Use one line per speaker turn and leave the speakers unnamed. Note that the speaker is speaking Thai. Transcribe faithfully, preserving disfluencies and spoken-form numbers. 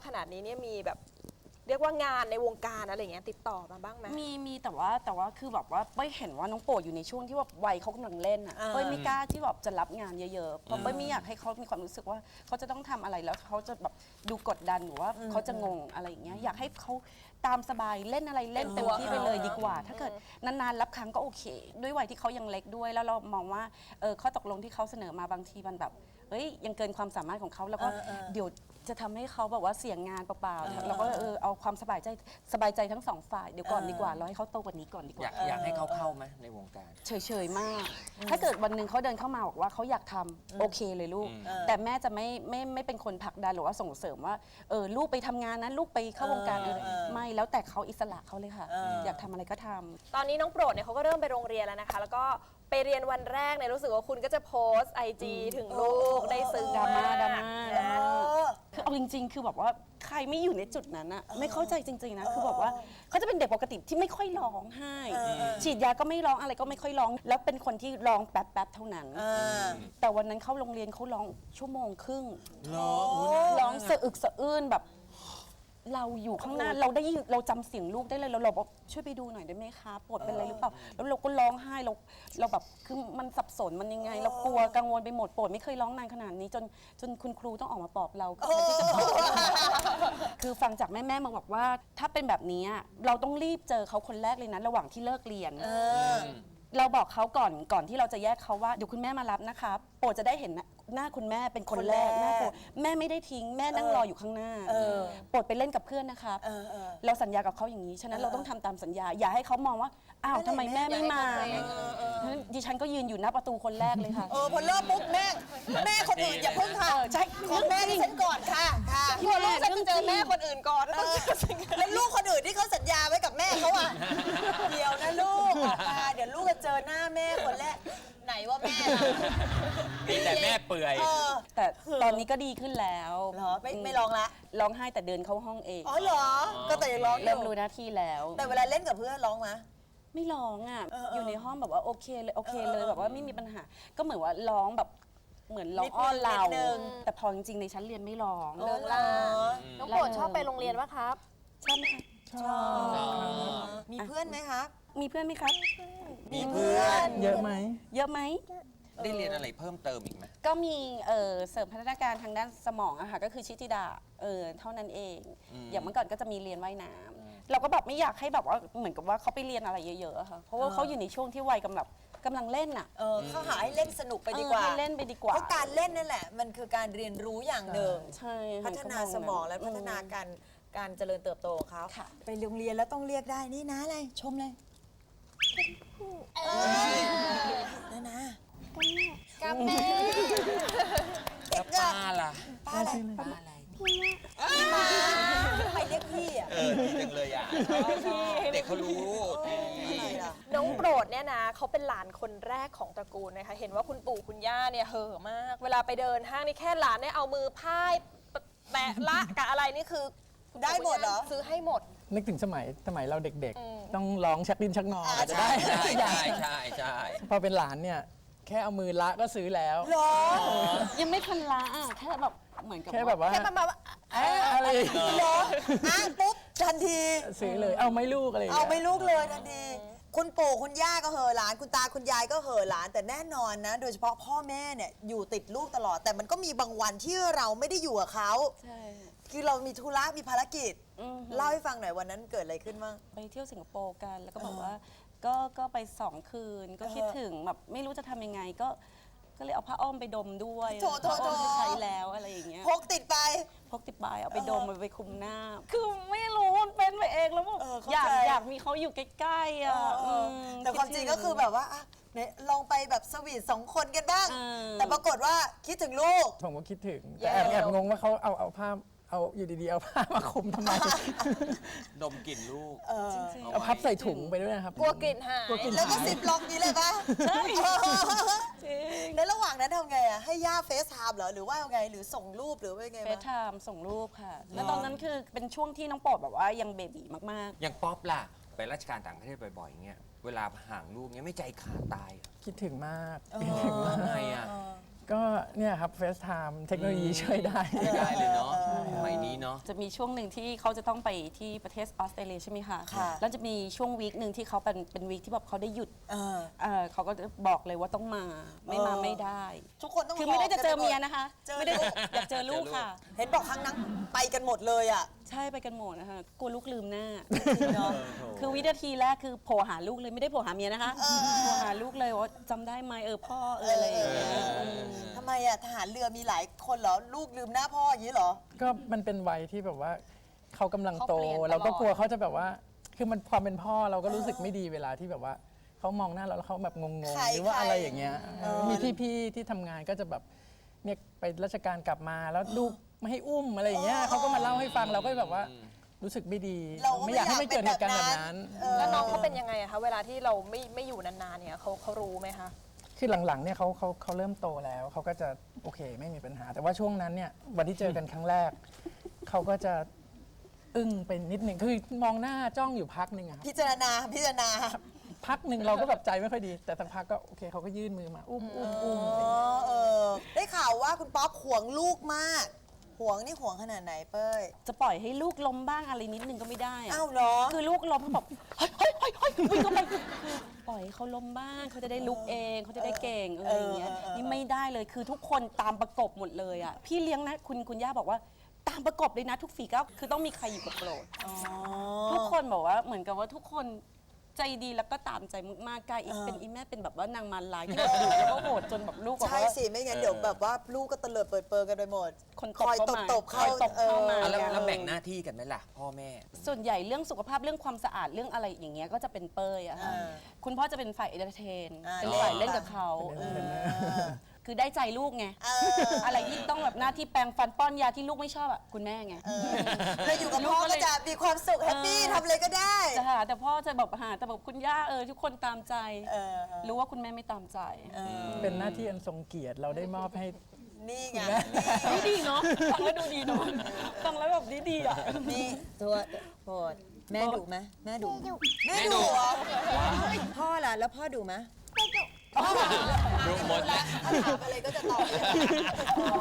ขนาดนี้เนี่ยมีแบบเรียกว่างานในวงการอะไรอย่างเงี้ยติดต่อมาบ้างไหม
มีมีแต่ว่าแต่ว่าคือแบบว่าเป้ยเห็นว่าน้องโปรดอยู่ในช่วงที่แบบวัยเขากำลังเล่นอ่ะเป้ยไม่กล้าที่แบบจะรับงานเยอะๆเพราะเป้ยไม่อยากให้เขามีความรู้สึกว่าเขาจะต้องทำอะไรแล้วเขาจะแบบดูกดดันหรือว่าเขาจะงงอะไรอย่างเงี้ยอยากให้เขาตามสบายเล่นอะไรเล่นเต็มที่ไปเลยดีกว่า ถ้าเกิดนานๆรับครั้งก็โอเค ด้วยวัยที่เขายังเล็กด้วยแล้วเรามองว่าเออข้อตกลงที่เขาเสนอมาบางทีมันแบบเฮ้ยยังเกินความสามารถของเขาแล้วก็เดี๋ยวจะทำให้เขาแบบว่าเสี่ยงงานเปล่าๆเราก็เออเอาความสบายใจสบายใจทั้งสองฝ่ายเดี๋ยวก่อนดีกว่าเราให้เขาโตกว่านี้ก่อนดีก
อยา
ว่า
กอยากให้เขาเข้าไหมในวงการ
เฉยๆมาก ถ้าเกิดวันหนึ่งเขาเดินเข้ามาบอกว่าเขาอยากทำโอเคเลยลูก แต่แม่จะไม่ไม่ไม่เป็นคนผลักดันหรือว่าส่งเสริมว่าเออลูกไปทำงานนะลูกไปเข้าวงการอะไรไม่แล้วแต่เขาอิสระเขาเลยค่ะ อยากทำอะไรก็ทำ
ตอนนี้น้องโปรดเนี่ยเขาก็เริ่มไปโรงเรียนแล้วนะคะ แล้วก็ไปเรียนวันแรกเนี่ยรู้สึกว่าคุณก็จะโพสไอจีถึงลูกได้ซึ้ง
ดราม่าดราม่าดราม่า
เออ
คือเอาจริงๆ คือแบบว่าใครไม่อยู่ในจุดนั้นอะไม่เข้าใจจริงๆนะ คือแบบว่าเขาจะเป็นเด็กปกติที่ไม่ค่อยร้องไห้ ฉีดยาก็ไม่ร้องอะไรก็ไม่ค่อยร้อง แล้วเป็นคนที่ร้องแป๊บๆ เท่านั้น แต่วันนั้นเข้าโรงเรียนเขาร้องชั่วโมงครึ่ง ร้องสะอึกสะอื้นแบบ เราอยู่ข้างหน้าเราได้ยินเราจำเสียงลูกได้เลยเราเราบอกช่วยไปดูหน่อยได้ไหมคะปวดเป็นอะไรหรือเปล่าแล้วเราก็ร้องไห้เราเราแบบคือมันสับสนมันยังไง เรากลัวกังวลไปหมดปวดไม่เคยร้องนานขนาดนี้จนจนคุณครูต้องออกมาปลอบเราคือที่จะปลอบคือฟังจากแม่แม่มาบอกว่าถ้าเป็นแบบนี้เราต้องรีบเจอเขาคนแรกเลยนะระหว่างที่เลิกเรียนเราบอกเขาก่อนก่อนที่เราจะแยกเขาว่าเดี๋ยวคุณแม่มารับนะคะโปรดจะได้เห็นหน้าคุณแม่เป็นคนแรกแม่โปรดแม่ไม่ได้ทิ้งแม่นั่งรออยู่ข้างหน้าโปรดไปเล่นกับเพื่อนนะคะเราสัญญากับเขาอย่างนี้ฉะนั้นเราต้องทำตามสัญญาอย่าให้เขามองว่าอ้าวทำไมแม่ไม่มาดิฉันก็ยืนอยู่หน้าประตูคนแรกเลยค่ะ
เออพอเริ่มปุ๊บแม่แม่คนอื่นอย่าเพิ่งค่ะ
ใช่
ขอแม่ที่ฉันก่อนค่ะค่ะ
กลัวลูกจะเจอแม่คนอื่นก่อนแล้วต้องเจอสิ่ง
แล้วลูกคนอื่นที่เขาสัญญาไว้กับแม่เขาอ่ะเดี๋ยวนะลูกออกมาเดี๋ยวลูกจะเจอหน้าแม่คนแรกไหนว่าแม่ล่ะ
มีแต่แม่เปื่อย
เออ
แต่ตอนนี้ก็ดีขึ้นแล้ว
เหรอไม่ไม่ร้องละ
ร้องไห้แต่เดินเข้าห้องเอง
อ๋อเหรอก็แต่ยังร้องอยู่
เริ่มรู้หน้าที่แล้ว
แต่เวลาเล่นกับเพื่อนร้องไหม
ไม่ร้องอ่ะ
เออเออ
อยู่ในห้องแบบว่าโอเคเลยโอเคเลย
เออเออ
แบบว่าไม่มีปัญหา ก็เหมือนว่าร้องแบบเหมือนร้องอ้อนเรา
นิดนึง
แต่พอจริงๆในชั้นเรียนไม่ร้อง
เลิกลา
น้องโปรดชอบไปโรงเรียนปะครับ
ใช่ไหมคะ
ชอบมีเพื่อนไหมครับ
มีเพื่อนไหมครับ
มีเพื่อน
เยอะไหม
เยอะไหม
ได้เรียนอะไรเพิ่มเติมอีกไหม
ก็มีเอ่อเสริมพัฒนาการทางด้านสมองอะค่ะก็คือชิติดาเออเท่านั้นเอง อย่างเมื่อก่อนก็จะมีเรียนว่ายน้ำเราก็แบบไม่อยากให้แบบว่าเหมือนกับว่าเขาไปเรียนอะไรเยอะๆอะค่ะเพราะว่าเขาอยู่ในช่วงที่วัยกำลังกำลังเล่นอะ
เออเขาหาให้เล่นสนุกไปดีกว่า
เออให้เล่นไปดีกว่า
เพราะการเล่นนั่นแหละ มันคือการเรียนรู้อย่างหนึ่ง
ใช่ค่ะ
พัฒนาสมองและพัฒนาการการเจริญเติบโตของเขา
ค่ะ
ไปโรงเรียนแล้วต้องเรียกได้นี่นะอะไรชมเลยนะนะ
กับแม่
แล้วป้าล่ะ
ป้าอะไร
ป้าอะไร
ทำไมเรียกพี่อ่ะ
เออดีจังเลยอ่ะเด็กเขารู้
อะไรล่ะ
น้องโปรดเนี่ยนะเขาเป็นหลานคนแรกของตระกูลนะคะเห็นว่าคุณปู่คุณย่าเนี่ยเห่อะมาก เวลาไปเดินห้างนี่แค่หลานเนี่ยเอามือพายแตะละกับอะไรนี่คือคุณปู่
ได้หมดเหรอ
ซื้อให้หมด
นึกถึงสมัยสมัยเราเด็กๆ ต้องร้องชักดิ้นชักงออาจจะได้
ใช่
ทุกอย่าง
ใช่ใช่ใช่
พอเป็นหลานเนี่ย แค่เอามือละก็ซื้อแล้ว
หรอ
ยังไม่ทันละอ่ะแค่แบบเหมือนกับ
แค่แบบว่า
แค่ประมาณว่า
เอ๊ะอะไร
หรออ่ะปุ๊บทันที
ซื้อเลยเอาไหม่ลูกอะไรย่ง
เอา
งี้ย
ไม่ลูกเลยทันที คุณปู่คุณย่าก็เห่อหลาน คุณตาคุณยายก็เห่อหลาน แต่แน่นอนนะ โดยเฉพาะพ่อแม่เนี่ยอยู่ติดลูกตลอด แต่มันก็มีบางวันที่เราไม่ได้อยู่กับเขา
ใช่
คือเรามีธุระมีภารกิจ
อือฮึ
เล่าให้ฟังหน่อยวันนั้นเกิดอะไรขึ้นบ้าง
ไปเที่ยวสิงคโปร์กันแล้วก็บอกว่าก็ก็ไปสองคืนก็คิดถึงแบบไม่รู้จะทำยังไงก็ก็เลยเอาผ้าอ้อมไปดมด้วย
โถโถโถ
ผ้าอ้อมที่ใช้แล้วอะไรอย่างเงี้ย
พกติดไป
พกติดปลายเอาไปดมเอาไปคุมหน้า คือไม่รู้มันเป็นไปเองแล้วแบบ
เออเข้า
อยาก
ใจ
อยากมีเขาอยู่ใกล้ๆอ่ะ
เออ
ม
แต่ความจริงก็คือแบบว่าอ่ะไหนลองไปแบบสวีทสองคนกันบ้าง
เออ
แต่ปรากฏว่าคิดถึงลูก
ผมก็คิดถึง แต่แอบแอบงงว่าเขาเอาเอาผ้าเอาอยู่ดีๆ เอาผ้ามาคลุมทำไม
ดมกลิ่นลูก
จริงๆ
เอาพับใส่ถุงไปด้วยนะครับ
กลัวกลิ่นหาย
กลัวกลิ่น
แล้วก็
หาย
สิบล็อกนี้เลยปะ
ใช่
เออ
จริง
ในระหว่างนั้นทำไงอ่ะให้ย่าเฟซไทม์เหรอหรือว่าไงหรือส่งรูปหรือว่าไง
เฟซ
วะ
ไทม์ส่งรูปค่ะ แล้วตอนนั้นคือเป็นช่วงที่น้องโปรดแบบว่ายังเบบีมาก
อย่างป๊อปล่ะ ไปราชการต่างประเทศบ่อยๆเงี้ย เวลาห่างลูกเงี้ยไม่ใจขาดตายเหรอ
คิดถึงมาก
เออ
คิดถึงมาก
ทำไงอ่ะ
ก็เนี่ยครับเฟซไทม์เทคโนโลยีช่วยได้
ไม่ได้เลยเนาะสมัยนี้เนาะ
จะมีช่วงหนึ่งที่เขาจะต้องไปที่ประเทศออสเตรเลียใช่ไหมคะ
ค่ะ
แล้วจะมีช่วงวีคหนึ่งที่เขาเป็นเป็นวีคที่แบบเขาได้หยุด
เออ
เอ่อเขาก็จะบอกเลยว่าต้องมา ไม่มา
เออ
ไม่ได้
ทุกคนต้อง
คือไม่ได้จะเจอ
หบ
เมียนะคะ
เจอ
ไม่ได้
ลูก
อยากเจอลูกค่ะ
เห็นบอกครั้งนั้นไปกันหมดเลยอ่ะ
ใช่ไปกันหมดนะคะกลัวลูกลืมหน้าเนาะคือวินาทีแรกคือโผล่หาลูกเลยไม่ได้โผล่หาเมียนะคะโผล่หาลูกเลยว่าจำได้ไหมเออพ่อเอออะไรอย่างเงี้ยม
ทำไมอ่ะทหารเรือมีหลายคนเหรอ ลูกลืมหน้าพ่ออย่างนี้เหรอ
ก็มันเป็นวัยที่แบบว่าเขากำลังโต
เขาเปลี่ยนตลอด
เราก็กลัวเขาจะแบบว่า คือมันความเป็นพ่อเราก็รู้สึกไม่ดีเวลาที่แบบว่าเขามองหน้าเราแล้วเขาแบบงง
ใคร
ๆหรือว่า
ใคร
อะไรอย่างเงี้ย
เออ
มีพี่ๆที่ทำงานก็จะแบบเนี่ยไปราชการกลับมาแล้วลูกไม่ให้อุ้มอะไรอย่างเงี้ยเขาก็มาเล่าให้ฟังเราก็แบบว่ารู้สึกไม่ดี
เราก็
ไม่อยากให้
ไม่
ไม่เกิด
อ
เห
ยาก
ตุการณ์
เป็
แบบ
นแบบนั้
นั้น
นเออ
แล้วน้องเขาเป็นยังไงอะคะเวลาที่เราไม่ไม่อยู่นานๆเนี่ยเขาเขารู้ไหมคะ
คือหลังๆเนี่ยเขาเขาเขาเริ่มโตแล้วเขาก็จะโอเคไม่มีปัญหา แต่ว่าช่วงนั้นเนี่ยวันที่เจอกันครั้งแรกเขาก็จะอึ้งไปนิดหนึ่งคือมองหน้าจ้องอยู่พักหนึ่งอะครับ
พิจารณาพิจารณา
พักหนึ่งเราก็แบบใจไม่ค่อยดี แต่สักพักก็โอเคเขาก็ยื่นมือมาอุ้มอุ้มอุ้ม
อ๋อเออ ได้ข่าวว่าคุณป๊อปห่วงลูกมาก ห่วงนี่ห่วงขนาดไหนเป้ย
จะปล่อยให้ลูกล้มบ้างอะไรนิดนึงก็ไม่ได้อะ
อ้าวเหรอ
คือลูกล้มเขาบอกเฮ้ยเฮ้ยเฮ้ยเฮ้ยวิ่งเข้าไปคือปล่อยให้เขาล้มบ้างเขาจะได้ลุกเองเขาจะได้เก่งเอออะไรอย่างเงี้ย
เออเออเออ
นี่ไม่ได้เลยคือทุกคนตามประกบหมดเลยอ่ะพี่เลี้ยงนะคุณคุณย่าบอกว่าตามประกบเลยนะทุกฝีก้าวคือต้องมีใครอยู่กับโปรด
อ๋อ
ทุกคนบอกว่าเหมือนกับว่าทุกคนใจดีแล้วก็ตามใจมากๆกลายอีกเป็นอีแม่เป็นแบบว่านางมารร้ายที่แบบดุแล้วก็โหดจนแบบลูกบอก
ใช่
ว่า
สิ ไม่งั้นเดี๋ยวแบบว่าลูกก็เตลิดเปิดเปิงกันไปหมด
คน
คอยตบตบ
คอยตบเข้ามา
อ่ะแล้วแล้วแบ่งหน้าที่กันไหมล่ะ พ่อแม่
ส่วนใหญ่เรื่องสุขภาพเรื่องความสะอาดเรื่องอะไรอย่างเงี้ยก็จะเป็นเป้ยอะค่ะ
อ่า
คุณพ่อจะเป็นฝ่ายเอนเตอร์เทน
อ่า
เป็นฝ่ายเล่นกับเขา
เป็นเล่น
คือได้ใจลูกไง
เออ
อะไรที่ต้องแบบหน้าที่แปรงฟันป้อนยาที่ลูกไม่ชอบอะคุณแม่ไง
เราอยู่กับพ่อก็จะมีความสุขแฮปปี้ทำอะไรก็ได้
จะหาแต่พ่อจะแบบหาแต่แบบคุณย่าเออทุกคนตามใจ
เออ
รู้ว่าคุณแม่ไม่ตามใจ
เป็นหน้าที่อันทรงเกียรติเราได้มอบให้
นี่ไง
ดีดีเนาะฟังแล้วดูดีเนาะฟังแล้วแบบดีดีอ่ะ
นี่ตัวโปรดแม่ดุไหมแม่ดุ
แม่
แม่
ดุ
ดุเหรอพ่อล่ะแล้วพ่อดุไหม
ดูหมดแล้ว
ถ้าถามอะไรก็จะตอบ